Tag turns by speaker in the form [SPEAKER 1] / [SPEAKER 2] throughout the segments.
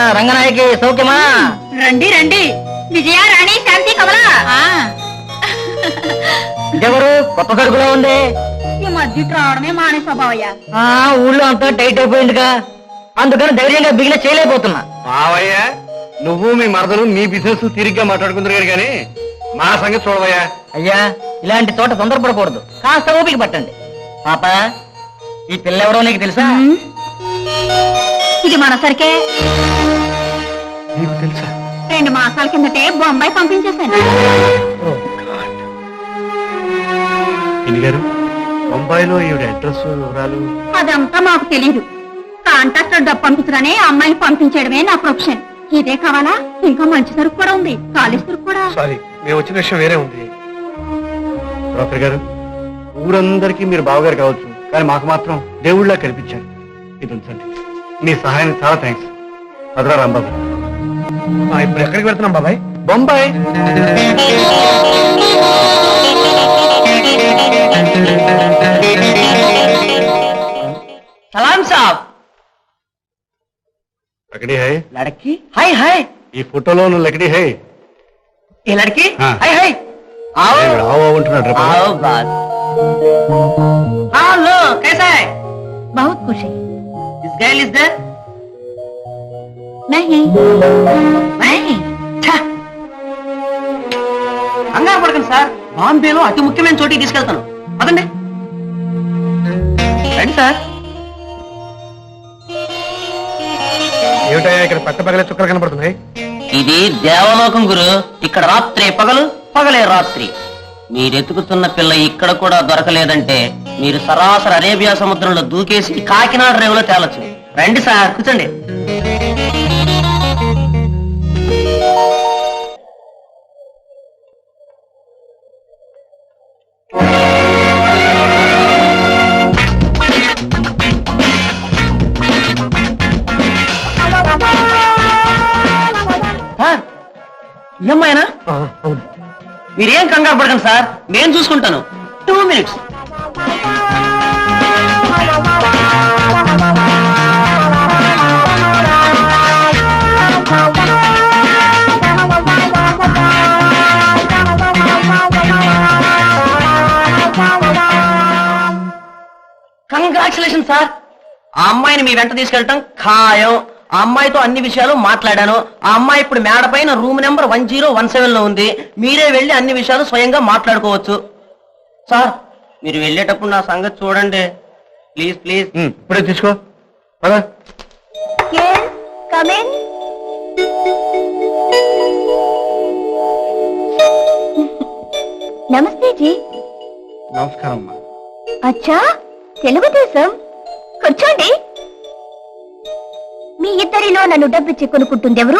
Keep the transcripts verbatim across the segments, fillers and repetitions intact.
[SPEAKER 1] రంగనాయకి సౌఖ్యమా?
[SPEAKER 2] రండి రండి. విజయ, రాణి, శాంతి, కమలా.
[SPEAKER 1] ఇదెవరు? కొత్త సరుకులో ఉంది.
[SPEAKER 2] ఈ మధ్య రావడమే మానే స్వభావయ్య.
[SPEAKER 1] ఆ ఊళ్ళో అంతా టైట్ అయిపోయిందిగా, అందుకని ధైర్యంగా బిగిన చేయలేకపోతున్నా.
[SPEAKER 3] బావయ్య, నువ్వు మీ మరదలు మీ బిజినెస్ తిరిగ్గా మాట్లాడుకుంటున్నారు కానీ మా సంగతి చూడవయ్యా.
[SPEAKER 1] అయ్యా, ఇలాంటి చోట తొందరపడకూడదు, కాస్త ఓపిక పట్టండి. పాప, ఈ పిల్ల ఎవరో నీకు తెలుసా?
[SPEAKER 2] ఇది మన సరికే.
[SPEAKER 3] నీకు తెలుసా?
[SPEAKER 2] రెండు మాసాల కిందటే బొంబాయి పంపించేశాను.
[SPEAKER 3] గారు, బొంబాయిలో ఈవిడ అడ్రస్ వివరాలు
[SPEAKER 2] అదంతా మాకు తెలియదు. కాంట్రాక్టర్ డబ్బు పంపించగానే అమ్మాయిని పంపించడమే నా ప్రొఫెషన్. ఇదే కావాలా? ఇంకా మంచి సరుకు కూడా ఉంది, కాలేజ్ సరుకు కూడా.
[SPEAKER 3] సారీ, మేము వచ్చిన విషయం వేరే ఉంది. డాక్టర్ గారు, ఊరందరికీ మీరు బావగారు కావచ్చు, కానీ మాకు మాత్రం దేవుళ్ళ కనిపించారు. ఇది ఉంచండి. మీ సహాయానికి చాలా థ్యాంక్స్. అదరా రాంబాబు. ఇప్పుడు ఎక్కడికి వెళ్తున్నాం బాబాయ్? బొంబాయి.
[SPEAKER 1] సలాం సాబ్.
[SPEAKER 3] లకడీ హై.
[SPEAKER 1] లड़की हाय हाय.
[SPEAKER 3] ఈ ఫోటోలో ఉన్న లకడీ హై.
[SPEAKER 1] ये लड़की
[SPEAKER 3] हाँ।
[SPEAKER 1] हाय हाय. आओ
[SPEAKER 3] ఆవో ఉంటున్నాడు.
[SPEAKER 1] आओ बात. हाँ लो, कैसा है?
[SPEAKER 2] बहुत खुश है.
[SPEAKER 1] इस गर्ल इज देयर?
[SPEAKER 2] नहीं
[SPEAKER 1] नहीं. కంగారు పడకండి సార్, బాంబేలో అతి ముఖ్యమైన చోటికి తీసుకెళ్తాను. పదండి రండి సార్.
[SPEAKER 3] ఏమిటయ్యా ఇక్కడ పట్ట పగలే చుక్కలు కనపడుతున్నాయి?
[SPEAKER 1] ఇది దేవలోకం గురు. ఇక్కడ రాత్రి పగలు, పగలే రాత్రి. మీరెతుకుతున్న పిల్ల ఇక్కడ కూడా దొరకలేదంటే మీరు సరాసరి అరేబియా సముద్రంలో దూకేసి కాకినాడ రేవులో తేలొచ్చు. రండి సార్, కూర్చోండి. ఈ అమ్మాయినా?
[SPEAKER 3] అవును.
[SPEAKER 1] మీరేం కంగారు పడకండి సార్, నేను చూసుకుంటాను. Two minutes. Congratulation sir. ఆ అమ్మాయిని మీ వెంట తీసుకెళ్ళటం ఖాయం. ఆ అమ్మాయితో అన్ని విషయాలు మాట్లాడాను. ఆ అమ్మాయి ఇప్పుడు మేడ పైన room number one zero one seven లో ఉంది. మీరే వెళ్ళి అన్ని విషయాలు స్వయంగా మాట్లాడుకోవచ్చు. సార్, మీరు వెళ్ళేటప్పుడు నా సంగతి చూడండి ప్లీజ్ ప్లీజ్.
[SPEAKER 3] ఇప్పుడే తీసుకో. పద.
[SPEAKER 2] Come in. నమస్తే జీ.
[SPEAKER 3] నమస్కారం అమ్మా.
[SPEAKER 2] అచ్చా, తెలుగుదేశం. కూర్చోండి. మీ ఇద్దరిలో నన్ను డబ్బిచ్చి కొనుక్కుంటుంది ఎవరు?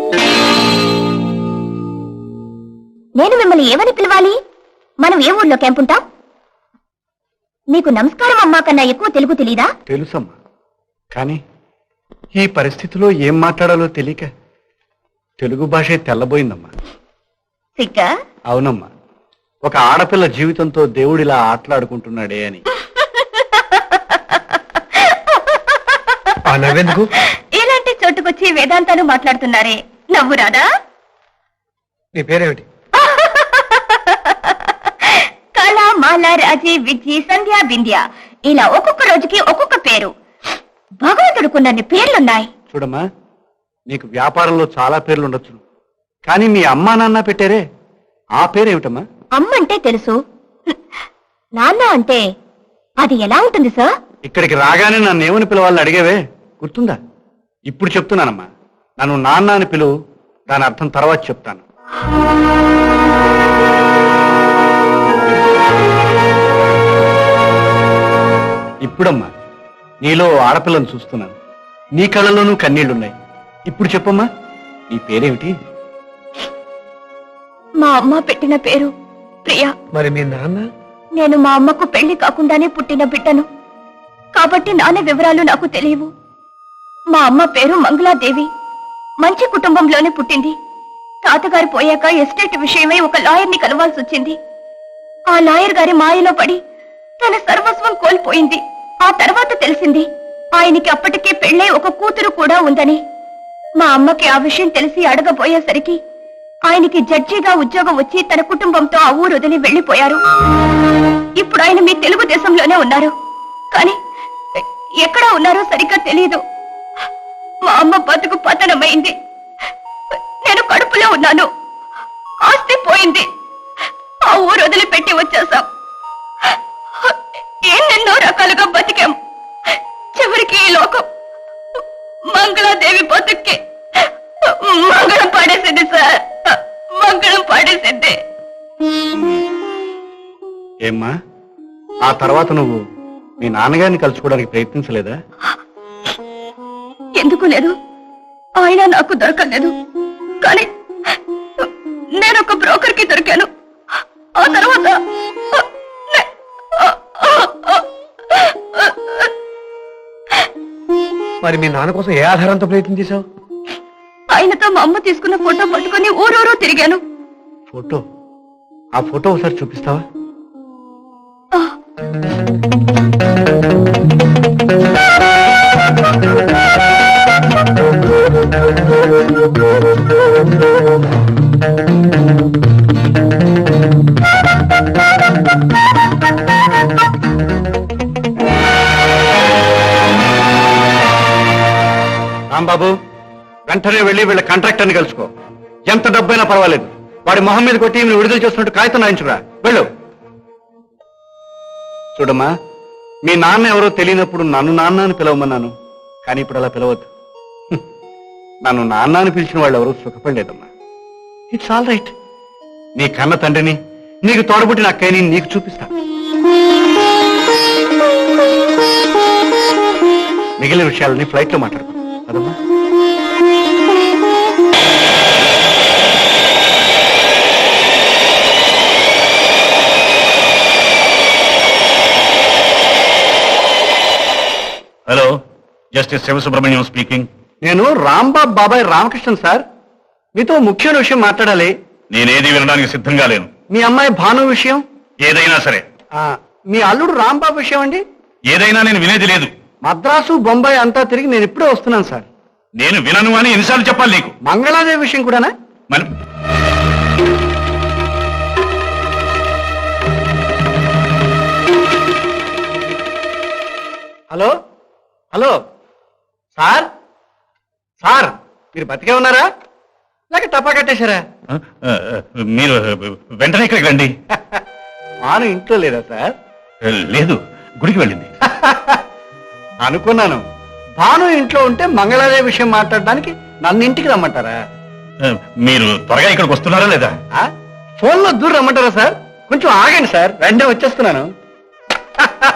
[SPEAKER 2] నేను మిమ్మల్ని ఏమని పిలవాలి? మనం ఏ ఊర్లో క్యాంప్ ఉంటాం? నీకు నమస్కారం అమ్మా కన్నా ఎక్కువ తెలుగు తెలీదా?
[SPEAKER 3] తెలుసమ్మా, కానీ ఈ పరిస్థితిలో ఏం మాట్లాడాలో తెలియక తెలుగు భాషే తెల్లబోయిందమ్మా.
[SPEAKER 2] సిగ్గా?
[SPEAKER 3] అవునమ్మా, ఒక ఆడపిల్ల జీవితంతో దేవుడిలా ఆటలాడుకుంటున్నాడే అని. నవ్వెందుకు?
[SPEAKER 2] ఇలాంటి చోటుకొచ్చి వేదాంతాలు మాట్లాడుతున్నారే, నవ్వు రాదా?
[SPEAKER 3] నీ పేరేమిటి?
[SPEAKER 2] కళ, మాల, రాజీ, విజి, సంధ్య, బింధ్య, ఇలా ఒక్కొక్క రోజుకి ఒక్కొక్క పేరు. భగవంతుడుకున్నన్ని పేర్లున్నాయి.
[SPEAKER 3] చూడమ్మా, నీకు వ్యాపారంలో చాలా పేర్లు ఉండొచ్చు, కానీ మీ అమ్మా నాన్న పెట్టారే ఆ పేరేమిటమ్మా?
[SPEAKER 2] అమ్మంటే తెలుసు, నాన్న అంటే అది ఎలా ఉంటుంది సార్?
[SPEAKER 3] ఇక్కడికి రాగానే నన్ను ఏమని పిలవాలని అడిగేవే, గుర్తుందా? ఇప్పుడు చెప్తున్నానమ్మా, నన్ను నాన్న అని పిలువు, దాని అర్థం తర్వాత చెప్తాను. ఇప్పుడమ్మా, నీలో ఆడపిల్లను చూస్తున్నాను, నీ కళ్ళలోనూ కన్నీళ్లున్నాయి. ఇప్పుడు చెప్పమ్మా, నీ పేరేమిటి?
[SPEAKER 2] మా అమ్మ పెట్టిన పేరు ప్రియా.
[SPEAKER 3] మరి మీ నాన్న?
[SPEAKER 2] నేను మా అమ్మకు పెళ్లి కాకుండానే పుట్టిన బిడ్డను కాబట్టి నాన్న వివరాలు నాకు తెలియవు. మా అమ్మ పేరు మంగళాదేవి. మంచి కుటుంబంలోనే పుట్టింది. తాతగారు పోయాక ఎస్టేట్ విషయమై ఒక లాయర్ని కలవాల్సి వచ్చింది. ఆ లాయర్ గారి మాయలో పడి తన సర్వస్వం కోల్పోయింది. ఆ తర్వాత తెలిసింది ఆయనకి అప్పటికే పెళ్ళై ఒక కూతురు కూడా ఉందని. మా అమ్మకి ఆ విషయం తెలిసి అడగబోయేసరికి ఆయనకి జడ్జిగా ఉద్యోగం వచ్చి తన కుటుంబంతో ఆ ఊరు వదిలి వెళ్లిపోయారు. ఇప్పుడు ఆయన మీ తెలుగుదేశంలోనే ఉన్నారు, కానీ ఎక్కడ ఉన్నారో సరిగ్గా తెలియదు. మా అమ్మ బతుకు పతనమైంది. నేను కడుపులో ఉన్నాను. ఆస్తి పోయింది. ఆ ఊరు వదిలిపెట్టి వచ్చేసాం. ఎన్నెన్నో రకాలుగా బతికాం. చివరికి ఈ లోకం మంగళాదేవి బతుక్కి మంగళం పాడేసింది సార్. మంగళం పాడేసింది.
[SPEAKER 3] ఏమ్మా, ఆ తర్వాత నువ్వు మీ నాన్నగారిని కలుసుకోవడానికి ప్రయత్నించలేదా?
[SPEAKER 2] ఎందుకు లేదు, ఆయన నాకు దొరకలేదు. కానీ నేను ఒక బ్రోకర్ కి దొరికాను. ఆ తర్వాత
[SPEAKER 3] మరి మీ నాన్న కోసం ఏ ఆధారంతో ప్రయత్నం చేశావు?
[SPEAKER 2] ఆయనతో మా అమ్మ తీసుకున్న ఫోటో పట్టుకుని ఊరూరు తిరిగాను.
[SPEAKER 3] ఫోటో? ఆ ఫోటో ఒకసారి చూపిస్తావా? రాంబాబు, వెంటనే వెళ్ళి వీళ్ళ కాంట్రాక్టర్ని కలుసుకో. ఎంత డబ్బైనా పర్వాలేదు, వాడి మొహం మీద కొట్టి ఈమెను విడుదల చేస్తున్నట్టు కాగితం రాయించురా. వెళ్ళు. చూడమ్మా, మీ నాన్న ఎవరో తెలియనప్పుడు నన్ను నాన్న అని పిలవమన్నాను, కానీ ఇప్పుడు అలా పిలవద్దు. హ్మ్. నన్ను నాన్న అని పిలిచిన వాళ్ళు ఎవరూ సుఖపడలేదమ్మా. It's all right. నీ కన్న తండ్రిని, నీకు తోడబుట్టిన అక్కయ్యని నీకు చూపిస్తా. మిగిలిన విషయాలని ఫ్లైట్ లో మాట్లాడుకో అదమ్మా.
[SPEAKER 4] Hello, justice Sivasubramaniam speaking.
[SPEAKER 3] నేను రాంబాబు బాబాయ్ రామకృష్ణన్ సార్. మీతో ముఖ్యమైన విషయం మాట్లాడాలి.
[SPEAKER 4] నేనేది వినడానికి సిద్ధంగా లేను.
[SPEAKER 3] మీ అమ్మాయి భాను విషయం.
[SPEAKER 4] ఏదైనా సరే.
[SPEAKER 3] ఆ, మీ అల్లుడు రాంబాబు విషయం అండి.
[SPEAKER 4] ఏదైనా నేను వినేది లేదు.
[SPEAKER 3] మద్రాసు బొంబాయి అంతా తిరిగి నేను ఇప్పుడే వస్తున్నాను సార్.
[SPEAKER 4] నేను వినను అని ఎన్నిసార్లు చెప్పాలి నీకు?
[SPEAKER 3] మంగళాదేవి విషయం కూడానా?
[SPEAKER 4] మరి
[SPEAKER 3] హలో హలో సార్, సార్ మీరు బతికే ఉన్నారా లేక టపా కట్టేశారా?
[SPEAKER 4] ఆ, ఆ, మీరు వెంటనే ఇక్కడికి రండి.
[SPEAKER 3] భాను ఇంట్లో లేదా సార్?
[SPEAKER 4] లేదు, గుడికి వెళ్ళింది.
[SPEAKER 3] అనుకున్నాను. భాను ఇంట్లో ఉంటే మంగళాదేవి విషయం మాట్లాడడానికి నన్ను ఇంటికి రమ్మంటారా?
[SPEAKER 4] ఆ, మీరు త్వరగా ఇక్కడికి వస్తున్నారా లేదా?
[SPEAKER 3] ఫోన్ లో దూరం రమ్మంటారా సార్? కొంచెం ఆగండి సార్, వెంటనే వచ్చేస్తున్నాను.